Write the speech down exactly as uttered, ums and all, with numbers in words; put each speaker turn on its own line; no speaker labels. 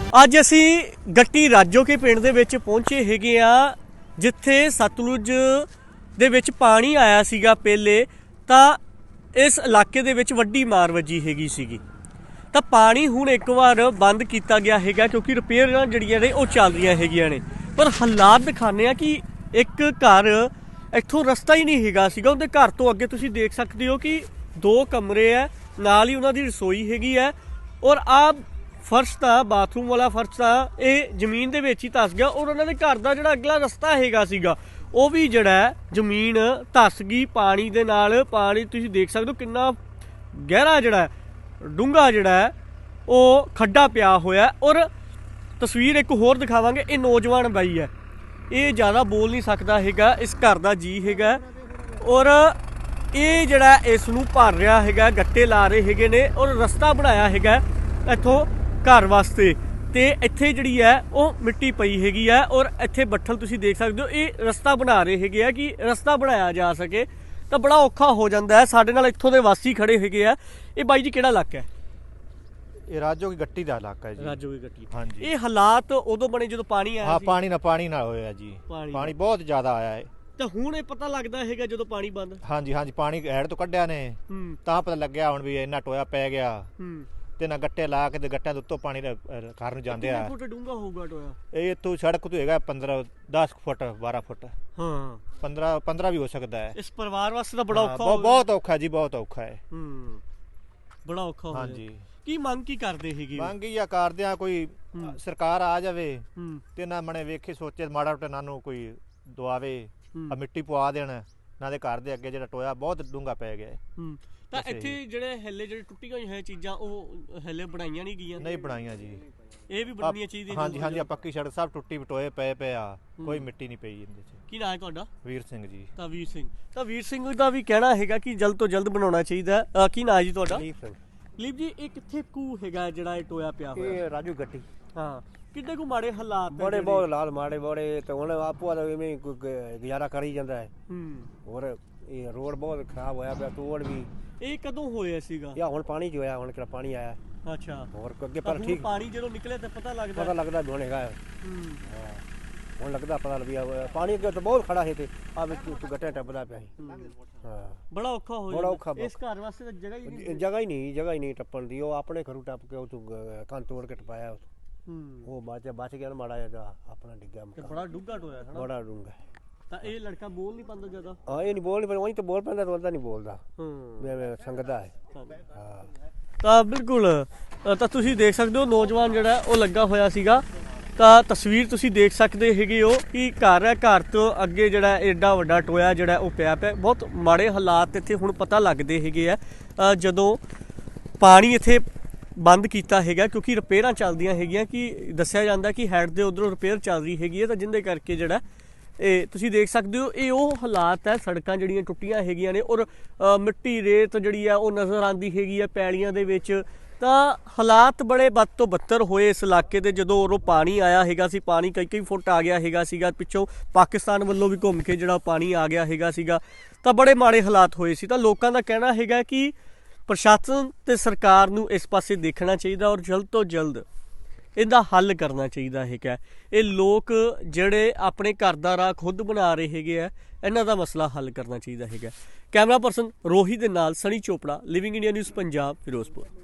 ਅੱਜ ਅਸੀਂ ਗੱਟੀ ਰਾਜੋਕੇ ਪਿੰਡ ਦੇ ਵਿੱਚ ਪਹੁੰਚੇ ਹੈਗੇ ਆ, ਜਿੱਥੇ ਸਤਲੁਜ ਦੇ ਵਿੱਚ ਪਾਣੀ ਆਇਆ ਸੀਗਾ ਪਹਿਲੇ, ਤਾਂ ਇਸ ਇਲਾਕੇ ਦੇ ਵਿੱਚ ਵੱਡੀ ਮਾਰ ਵੱਜੀ ਹੈਗੀ ਸੀਗੀ। ਤਾਂ ਪਾਣੀ ਹੁਣ ਇੱਕ ਵਾਰ ਬੰਦ ਕੀਤਾ ਗਿਆ ਹੈਗਾ ਕਿਉਂਕਿ ਰਿਪੇਅਰਾਂ ਜਿਹੜੀਆਂ ਨੇ ਉਹ ਚੱਲ ਰਹੀਆਂ ਹੈਗੀਆਂ ਨੇ। ਪਰ ਹਾਲਾਤ ਦਿਖਾਉਂਦੇ ਆ ਕਿ ਇੱਕ ਘਰ ਇੱਥੋਂ ਰਸਤਾ ਹੀ ਨਹੀਂ ਹੈਗਾ ਸੀਗਾ, ਉਹਦੇ ਘਰ ਤੋਂ ਅੱਗੇ ਤੁਸੀਂ ਦੇਖ ਸਕਦੇ ਹੋ ਕਿ ਦੋ ਕਮਰੇ ਹੈ, ਨਾਲ ਹੀ ਉਹਨਾਂ ਦੀ ਰਸੋਈ ਹੈਗੀ ਹੈ। ਔਰ ਆ ਫਰਸ਼ ਤਾਂ ਬਾਥਰੂਮ ਵਾਲਾ ਫਰਸ਼ ਤਾਂ ਇਹ ਜ਼ਮੀਨ ਦੇ ਵਿੱਚ ਹੀ ਧਸ ਗਿਆ। ਔਰ ਉਹਨਾਂ ਦੇ ਘਰ ਦਾ ਜਿਹੜਾ ਅਗਲਾ ਰਸਤਾ ਹੈਗਾ ਸੀਗਾ ਉਹ ਵੀ ਜਿਹੜਾ ਜ਼ਮੀਨ ਧਸ ਗਈ ਪਾਣੀ ਦੇ ਨਾਲ। ਪਾਣੀ ਤੁਸੀਂ ਦੇਖ ਸਕਦੇ ਹੋ ਕਿੰਨਾ ਗਹਿਰਾ ਜਿਹੜਾ ਡੂੰਘਾ ਜਿਹੜਾ ਉਹ ਖੱਡਾ ਪਿਆ ਹੋਇਆ। ਔਰ ਤਸਵੀਰ ਇੱਕ ਹੋਰ ਦਿਖਾਵਾਂਗੇ, ਇਹ ਨੌਜਵਾਨ ਬਾਈ ਹੈ, ਇਹ ਜ਼ਿਆਦਾ ਬੋਲ ਨਹੀਂ ਸਕਦਾ ਹੈਗਾ, ਇਸ ਘਰ ਦਾ ਜੀ ਹੈਗਾ। ਔਰ ਇਹ ਜਿਹੜਾ ਇਸ ਨੂੰ ਭਰ ਰਿਹਾ ਹੈਗਾ, ਗੱਟੇ ਲਾ ਰਹੇ ਹੈਗੇ ਨੇ ਔਰ ਰਸਤਾ ਬਣਾਇਆ ਹੈਗਾ ਇੱਥੋਂ ਘਰ ਵਾਸਤੇ। ਤੇ ਇੱਥੇ ਜਿਹੜੀ ਹੈ ਉਹ ਮਿੱਟੀ ਪਈ ਹੈਗੀ ਹੈ ਔਰ ਇੱਥੇ ਬੱਠਲ ਤੁਸੀਂ ਦੇਖ ਸਕਦੇ ਹੋ। ਇਹ ਰਸਤਾ ਬਣਾ ਰਹੇ ਹੈਗੇ ਆ ਕਿ ਰਸਤਾ ਬਣਾਇਆ ਜਾ ਸਕੇ, ਤਾਂ ਬੜਾ ਔਖਾ ਹੋ ਜਾਂਦਾ ਹੈ। ਸਾਡੇ ਨਾਲ ਇੱਥੋਂ ਦੇ ਵਾਸੀ ਖੜੇ ਹੈਗੇ ਆ। ਇਹ ਬਾਈ ਜੀ ਕਿਹੜਾ ਇਲਾਕਾ ਹੈ?
ਇਹ ਰਾਜੋ ਕੀ ਗੱਟੀ ਦਾ ਇਲਾਕਾ ਹੈ ਜੀ।
ਰਾਜੋ ਕੀ ਗੱਟੀ।
ਹਾਂਜੀ।
ਇਹ ਹਾਲਾਤ ਉਦੋਂ ਬਣੇ ਜਦੋਂ ਪਾਣੀ ਆਇਆ
ਹਾਂ,
ਸੀ?
ਪਾਣੀ ਨਾ ਪਾਣੀ ਨਾਲ ਹੋਇਆ ਜੀ, ਪਾਣੀ ਬਹੁਤ ਜ਼ਿਆਦਾ ਆਇਆ ਹੈ।
ਤਾਂ ਹੁਣ ਇਹ ਪਤਾ ਲੱਗਦਾ ਹੈਗਾ ਜਦੋਂ ਪਾਣੀ ਬੰਦ?
ਹਾਂਜੀ ਹਾਂਜੀ, ਪਾਣੀ ਹੈਡ ਤੋਂ ਕੱਢਿਆ ਨੇ ਤਾਂ ਪਤਾ ਲੱਗਿਆ ਹੁਣ ਵੀ ਇੰਨਾ ਟੋਇਆ ਪੈ ਗਿਆ।
ਹੂੰ। ਤੇ
ਨਾ ਗੱਟੇ ਲਾ ਕੇ ਤੇ ਗੱਟਿਆਂ ਦੇ ਉੱਤੋਂ ਪਾਣੀ ਘਰ ਨੂੰ ਜਾਂਦੇ ਆ।
ਕਿੰਨੇ ਫੁੱਟ ਡੂੰਘਾ ਹੋਊਗਾ ਟੋਇਆ?
ਇਹ ਇੱਥੋਂ ਸੜਕ ਤੋਂ ਹੈਗਾ ਪੰਦਰਾਂ ਦਸ ਫੁੱਟ ਬਾਰਾਂ ਫੁੱਟ।
ਹਾਂ,
ਪੰਦਰਾਂ ਪੰਦਰਾਂ ਵੀ ਹੋ ਸਕਦਾ ਹੈ।
ਇਸ ਪਰਿਵਾਰ ਵਾਸਤੇ ਤਾਂ ਬੜਾ ਔਖਾ।
ਬਹੁਤ ਔਖਾ ਜੀ, ਬਹੁਤ ਔਖਾ ਹੈ।
ਹੂੰ, ਬੜਾ ਔਖਾ ਹੋ
ਹਾਂਜੀ।
ਕੀ ਮੰਗ ਕੀ ਕਰਦੇ ਹੈਗੇ?
ਮੰਗ ਹੀ ਆ ਕਰਦੇ ਆ ਕੋਈ ਸਰਕਾਰ ਆ ਜਾਵੇ ਤੇ ਨਾ ਮਣੇ ਵੇਖੇ ਸੋਚੇ ਮਾੜਾ ਮੋਟਾ ਇਹਨਾਂ ਨੂੰ ਕੋਈ ਦਵਾਵੇ, ਆ ਮਿੱਟੀ ਪਵਾ ਦੇਣ ਨਾ ਦੇ ਘਰ ਦੇ ਅੱਗੇ ਜਿਹੜਾ ਟੋਇਆ ਬਹੁਤ ਡੂੰਘਾ ਪੈ ਗਿਆ। ਤਾਂ ਇੱਥੇ ਜਿਹੜੇ ਹਿੱਲੇ ਜਿਹੜੇ ਟੁੱਟੀਆਂ ਹੋਈਆਂ ਚੀਜ਼ਾਂ ਉਹ ਹਿੱਲੇ ਬਣਾਈਆਂ ਨਹੀਂ ਗਈਆਂ? ਨਹੀਂ ਬਣਾਈਆਂ ਜੀ, ਇਹ ਵੀ ਬਣਨੀਆਂ ਚਾਹੀਦੀਆਂ। ਹਾਂਜੀ ਹਾਂਜੀ, ਟੱਕੀ ਸੜਕ ਸਭ ਟੁੱਟੀ ਟੋਏ ਪਏ ਪਏ ਆ, ਕੋਈ ਮਿੱਟੀ ਨਹੀਂ ਪਈ ਇਹਦੇ ਚ। ਕੀ ਨਾਂ ਹੈ ਤੁਹਾਡਾ? ਵੀਰ ਸਿੰਘ ਜੀ। ਤਾਂ ਵੀਰ ਸਿੰਘ ਤਾਂ ਵੀਰ ਸਿੰਘ ਦਾ ਵੀ ਕਹਿਣਾ ਹੈਗਾ ਕਿ ਜਲਦ ਤੋਂ ਜਲਦ ਬਣਾਉਣਾ ਚਾਹੀਦਾ। ਕੀ ਨਾਂ ਹੈ ਜੀ ਤੁਹਾਡਾ? ਲੀਪ ਸਿੰਘ। ਲੀਪ ਜੀ, ਇਹ ਕਿੱਥੇ ਕੂ ਹੈਗਾ ਜਿਹੜਾ ਇਹ ਟੋਇਆ ਪਿਆ ਹੋਇਆ? ਇਹ ਰਾਜੂ ਗੱਟੀ। ਹਾਂ, ਕਿੰਨੇ ਕੁ ਮਾੜੇ ਹਾਲਾਤ?
ਬੜੇ ਬਹੁਤ ਹਾਲਾਤ ਮਾੜੇ ਬੜੇ, ਤੇ ਹੁਣ ਆਪੋ ਦਾ ਇਵੇਂ ਗੁਜ਼ਾਰਾ ਕਰੀ ਜਾਂਦਾ ਹੈ।
ਹੂੰ।
ਹੋਰ ਇਹ ਰੋਡ ਬਹੁਤ ਖਰਾਬ ਹੋਇਆ ਪਿਆ, ਤੋੜ ਵੀ।
ਇਹ ਕਦੋਂ ਹੋਇਆ ਸੀਗਾ?
ਯਾ ਹੁਣ ਪਾਣੀ ਜੋ ਆਇਆ, ਹੁਣ ਕਿਹੜਾ ਪਾਣੀ ਆਇਆ।
ਅੱਛਾ।
ਹੋਰ ਅੱਗੇ ਪਰ ਠੀਕ
ਪਾਣੀ ਜਦੋਂ ਨਿਕਲੇ ਤਾਂ ਪਤਾ ਲੱਗਦਾ
ਪਤਾ ਲੱਗਦਾ ਵੀ ਹੁਣ ਹੈਗਾ।
ਹੂੰ।
ਹੁਣ ਲੱਗਦਾ ਪਤਾ ਲੱਗਿਆ ਪਾਣੀ ਅੱਗੇ ਤਾਂ ਬਹੁਤ ਖੜਾ ਹੈ ਤੇ ਆ ਵਿੱਚ ਗੱਟੇ ਟੱਪਦਾ ਪਿਆ ਸੀ। ਹਾਂ, ਬੜਾ ਔਖਾ ਹੋ
ਬੜਾ ਔਖਾ। ਇਸ ਘਰ ਵਾਸਤੇ ਤਾਂ ਜਗ੍ਹਾ ਹੀ ਨਹੀਂ
ਜਗ੍ਹਾ ਹੀ ਨਹੀਂ ਜਗ੍ਹਾ ਹੀ ਨਹੀਂ ਟੱਪਣ ਦੀ। ਉਹ ਆਪਣੇ ਘਰੋਂ ਟੱਪ ਕੇ ਉਹ ਤੂੰ ਕੰਨ ਤੋੜ ਕੇ ਟਪਾਇਆ।
ਹੂੰ। ਉਹ
ਬਚ ਬਚ ਗਿਆ ਮਾੜਾ ਜਿਹਾ, ਆਪਣਾ ਡਿੱਗਾ।
ਬੜਾ ਡੂੰਘਾ ਟੋਇਆ ਹੈ ਨਾ? ਬੜਾ
ਡੂੰਘਾ। ਤਾਂ
ਇਹ ਲੜਕਾ ਬੋਲ ਨਹੀਂ ਪਾਉਂਦਾ ਜ਼ਿਆਦਾ?
ਹਾਂ, ਇਹ ਨਹੀਂ ਬੋਲ ਨਹੀਂ, ਉਹੀ ਤਾਂ ਬੋਲ ਪੈਂਦਾ, ਰੋਲਦਾ ਨਹੀਂ ਬੋਲਦਾ।
ਹੂੰ।
ਮੈਂ ਸੰਗਦਾ ਹੈ।
ਹਾਂ, ਤਾਂ ਬਿਲਕੁਲ। ਤਾਂ ਤੁਸੀਂ ਦੇਖ ਸਕਦੇ ਹੋ ਨੌਜਵਾਨ ਜਿਹੜਾ ਉਹ ਲੱਗਾ ਹੋਇਆ ਸੀਗਾ। ਤਾਂ ਤਸਵੀਰ ਤੁਸੀਂ ਦੇਖ ਸਕਦੇ ਹੈਗੇ ਹੋ ਕਿ ਘਰ ਹੈ, ਘਰ ਤੋਂ ਅੱਗੇ ਜਿਹੜਾ ਐਡਾ ਵੱਡਾ ਟੋਇਆ ਜਿਹੜਾ ਉਹ ਪਿਆ ਪਿਆ। ਬਹੁਤ ਮਾੜੇ ਹਾਲਾਤ ਇੱਥੇ ਹੁਣ ਪਤਾ ਲੱਗਦੇ ਹੈਗੇ ਆ ਜਦੋਂ ਪਾਣੀ ਇੱਥੇ ਬੰਦ ਕੀਤਾ ਹੈਗਾ, ਕਿਉਂਕਿ ਰਿਪੇਅਰਾਂ ਚੱਲਦੀਆਂ ਹੈਗੀਆਂ। ਕਿ ਦੱਸਿਆ ਜਾਂਦਾ ਕਿ ਹੈਡ ਦੇ ਉਧਰੋਂ ਰਿਪੇਅਰ ਚੱਲ ਰਹੀ ਹੈਗੀ ਹੈ, ਤਾਂ ਜਿਹਦੇ ਕਰਕੇ ਜਿਹੜਾ ਇਹ ਤੁਸੀਂ ਦੇਖ ਸਕਦੇ ਹੋ ਇਹ ਉਹ ਹਾਲਾਤ ਹੈ। ਸੜਕਾਂ ਜਿਹੜੀਆਂ ਟੁੱਟੀਆਂ ਹੈਗੀਆਂ ਨੇ ਔਰ ਮਿੱਟੀ ਰੇਤ ਜਿਹੜੀ ਆ ਉਹ ਨਜ਼ਰ ਆਉਂਦੀ ਹੈਗੀ ਹੈ ਪੈਲੀਆਂ ਦੇ ਵਿੱਚ। ਤਾਂ ਹਾਲਾਤ ਬੜੇ ਬਦ ਤੋਂ ਬੱਤਰ ਹੋਏ ਇਸ ਇਲਾਕੇ ਦੇ ਜਦੋਂ ਉਰੋਂ ਪਾਣੀ ਆਇਆ ਹੈਗਾ ਸੀ। ਪਾਣੀ ਕਈ ਕਈ ਫੁੱਟ ਆ ਗਿਆ ਹੈਗਾ ਸੀਗਾ, ਪਿੱਛੋਂ ਪਾਕਿਸਤਾਨ ਵੱਲੋਂ ਵੀ ਘੁੰਮ ਕੇ ਜਿਹੜਾ ਪਾਣੀ ਆ ਗਿਆ ਹੈਗਾ ਸੀਗਾ। ਤਾਂ ਬੜੇ ਮਾੜੇ ਹਾਲਾਤ ਹੋਏ ਸੀ। ਤਾਂ ਲੋਕਾਂ ਦਾ ਕਹਿਣਾ ਹੈਗਾ ਕਿ ਪ੍ਰਸ਼ਾਸਨ ਤੇ ਸਰਕਾਰ ਨੂੰ ਇਸ ਪਾਸੇ ਦੇਖਣਾ ਚਾਹੀਦਾ ਔਰ ਜਲਦ ਤੋਂ ਜਲਦ ਇਹਦਾ ਹੱਲ ਕਰਨਾ ਚਾਹੀਦਾ ਹੈਗਾ। ਇਹ ਲੋਕ ਜਿਹੜੇ ਆਪਣੇ ਘਰ ਦਾ ਰਾਹ ਖੁਦ ਬਣਾ ਰਹੇ ਹੈਗੇ ਆ, ਇਹਨਾਂ ਦਾ ਮਸਲਾ ਹੱਲ ਕਰਨਾ ਚਾਹੀਦਾ ਹੈਗਾ। ਕੈਮਰਾ ਪਰਸਨ ਰੋਹੀ ਦੇ ਨਾਲ Sunny Chopra, living India news Punjab, Firozpur.